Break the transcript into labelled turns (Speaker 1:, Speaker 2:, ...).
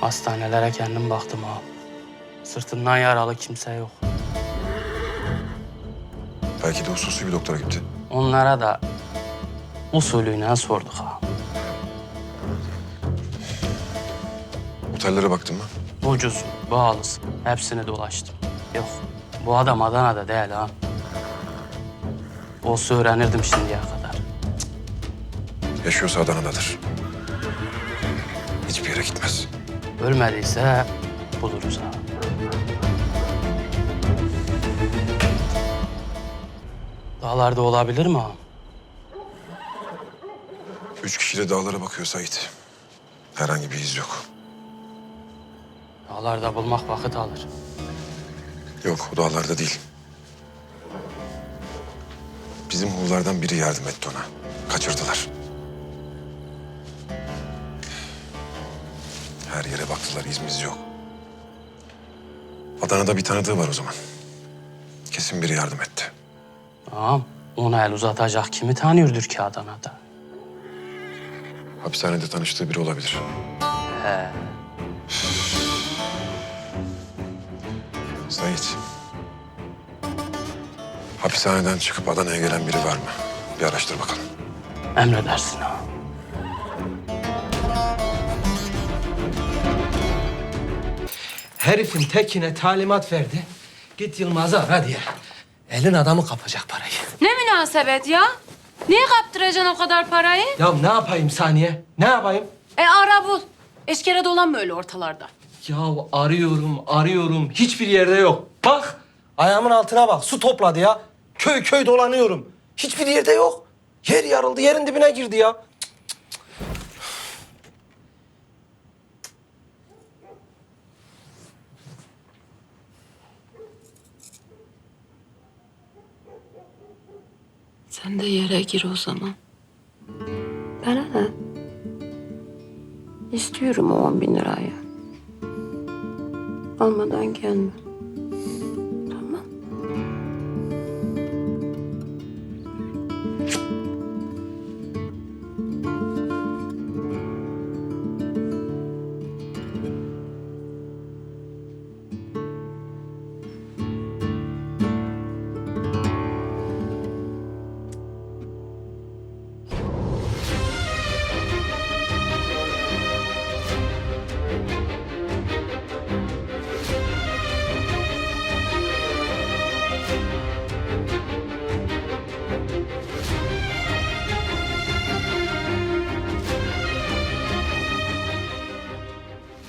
Speaker 1: Hastanelere kendim baktım ha. Sırtından yaralı kimse yok.
Speaker 2: Belki de hususi bir doktora gitti.
Speaker 1: Onlara da usulüyle sorduk ha.
Speaker 2: Otellere baktın mı?
Speaker 1: Ucuz, pahalısı. Hepsini dolaştım. Yok, bu adam Adana'da değil ha. Olsa öğrenirdim şimdiye kadar.
Speaker 2: Yaşıyorsa Adana'dadır. Hiçbir yere gitmez.
Speaker 1: Ölmediyse buluruz ha. Dağlarda olabilir mi ha?
Speaker 2: 3 kişi de dağlara bakıyor Sait. Herhangi bir iz yok.
Speaker 1: Dağlarda bulmak vakit alır.
Speaker 2: Yok, o dağlarda değil. Bizim Huğlardan biri yardım etti ona. Kaçırdılar. Her yere baktılar, izimiz yok. Adana'da bir tanıdığı var o zaman. Kesin biri yardım etti.
Speaker 1: Ağam, ona el uzatacak kimi tanıyordur ki Adana'da?
Speaker 2: Hapishanede tanıştığı biri olabilir.
Speaker 1: He.
Speaker 2: Sait. Hapishaneden çıkıp Adana'ya gelen biri var mı? Bir araştır bakalım.
Speaker 1: Emredersin ha.
Speaker 3: Herifin tekine talimat verdi. Git Yılmaz'ı ara diye. Elin adamı kapacak parayı.
Speaker 4: Ne münasebet ya? Niye kaptıracaksın o kadar parayı?
Speaker 3: Ya ne yapayım Saniye? Ne yapayım?
Speaker 4: Ara bul. Eşkere dolanma öyle ortalarda.
Speaker 3: Ya arıyorum. Hiçbir yerde yok. Bak ayağımın altına bak. Su topladı ya. Köy köy dolanıyorum. Hiçbir yerde yok. Yer yarıldı, yerin dibine girdi ya.
Speaker 4: Sen de yere gir o zaman. Bana ne? İstiyorum o 10.000 lirayı. Almadan gelme.